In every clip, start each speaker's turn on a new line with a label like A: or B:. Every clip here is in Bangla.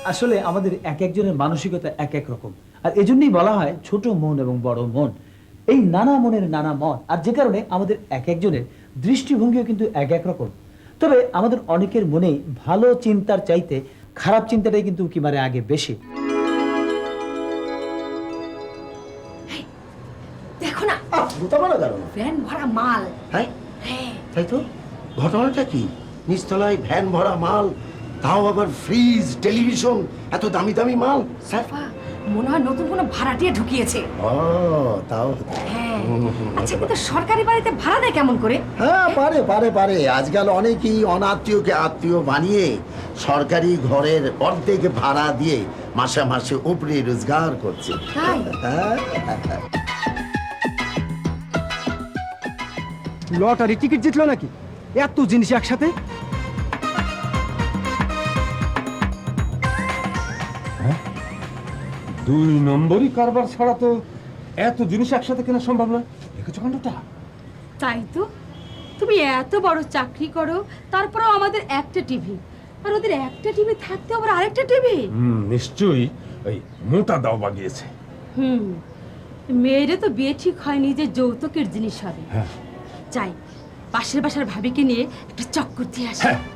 A: আসলে আমাদের এক একজনের মানসিকতা এক এক রকম, আর এজন্যই বলা হয় ছোট মন এবং বড় মন। এই নানা মনের নানা মন, আর যে কারণে আমাদের এক একজনের দৃষ্টিভঙ্গিও কিন্তু এক এক রকম। তবে আমাদের অনেকের মনেই ভালো চিন্তার চাইতে খারাপ চিন্তাটাই কিন্তু কি মারে আগে বেশি।
B: দেখো না,
C: গোটা মারা গেল না?
B: ভ্যান ভরা মাল।
C: হ্যাঁ,
B: হ্যাঁ,
C: তাই তো। ঘটনাটা কি? নিচতলায় ভ্যান ভরা মাল, তাও আবার ফ্রিজ, টেলিভিশন, এত দামি দামি মাল। স্যার,
B: বাবা, মনে হয় নতুন কোনো ভাড়াটিয়া ঢুকিয়েছে।
C: ও তাও।
B: হ্যাঁ, আচ্ছা, কিন্তু সরকারি বাড়িতে ভাড়া দেয় কেমন করে?
C: হ্যাঁ, পারে পারে পারে। আজকাল অনেকেই অনাত্মীয়কে আত্মীয় বানিয়ে সরকারি ঘরের অর্ধেক ভাড়া দিয়ে মাসে মাসে উপরে রোজগার করছে।
B: তাই?
C: হ্যাঁ।
D: লটারি টিকিট জিতলো নাকি? এত জিনিস একসাথে?
E: দুই নম্বরই কারবার ছাড়া তো এত জিনিস একসাথে কেনা সম্ভব না। দেখেছো কাণ্ডটা?
F: তাই তো, তুমি এত বড় চাকরি করো, তারপরেও আমাদের একটা টিভি, আর ওদের একটা টিভি থাকতে আবার আরেকটা টিভি।
E: নিশ্চয়ই ওই মোটা দাও বাগিয়েছে।
F: মেয়েরে তো বিয়ে ঠিক হয়নি যে যৌতুকের জিনিস হবে।
E: হ্যাঁ।
F: যাই, পাশের বাসার ভাবিকে নিয়ে একটা চক্কর দিয়ে আসি।
E: হ্যাঁ,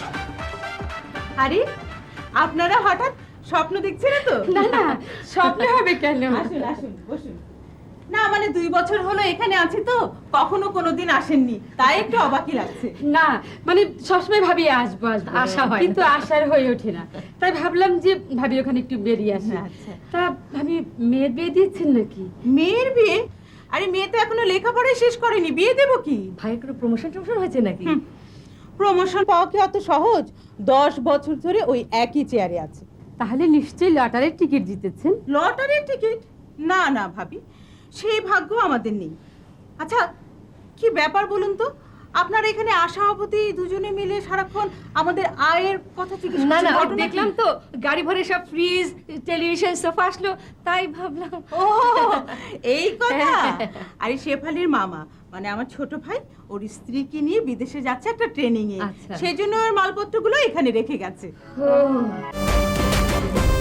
G: আরে আপনারা হঠাৎ স্বপ্ন দেখছেন তো?
F: না না, স্বপ্ন হবে কেন?
G: আসুন আসুন, বসুন। না মানে 2 বছর হলো এখানে আছি তো, কখনো কোনোদিন আসেননি, তাই একটু অবাকই লাগছে।
F: না মানে সবসময় ভাবি আসবো আসবো,
G: আশা হয় না।
F: কিন্তু আশার হয়ে ওঠে না। তাই ভাবলাম যে ভাবি ওখানে একটু বেরিয়ে আসি।
G: আচ্ছা।
F: তা ভাবি মেয়ের বিয়ে দিয়েছেন নাকি?
G: মেয়ের বিয়ে? আরে মেয়ে তো এখনো লেখাপড়াই শেষ করেনি, বিয়ে দেবো কি?
F: ভাইয়ের কোনো প্রমোশন টমোশন হয়েছে নাকি?
G: প্রমোশন পাওয়া কি অত সহজ? 10 বছর ধরে ওই একই চেয়ারে আছে।
F: তাহলে নিশ্চয়ই লটারির টিকিট জিতেছেন।
G: লটারির টিকিট? না না ভাবি, সেই ভাগ্য আমাদের নেই। আচ্ছা, কি ব্যাপার বলুন তো? আপনারা এখানে আশা অবধি দুজনে মিলে সারাক্ষণ আমাদের আয়ের কথা জিজ্ঞেস করছেন।
F: না না,
G: ঘটনা কি?
F: দেখলাম তো গাড়ি ভরে সব ফ্রিজ, টেলিভিশন, সোফা আসলো, তাই ভাবলাম।
G: ও এই কথা। আরে শেফালির মামা মানে আমার ছোট ভাই ওর স্ত্রীকে নিয়ে বিদেশে যাচ্ছে একটা ট্রেনিং এ,
F: আচ্ছা।
G: সেজন্য ওর মালপত্রগুলো এখানে রেখে গেছে।
F: ও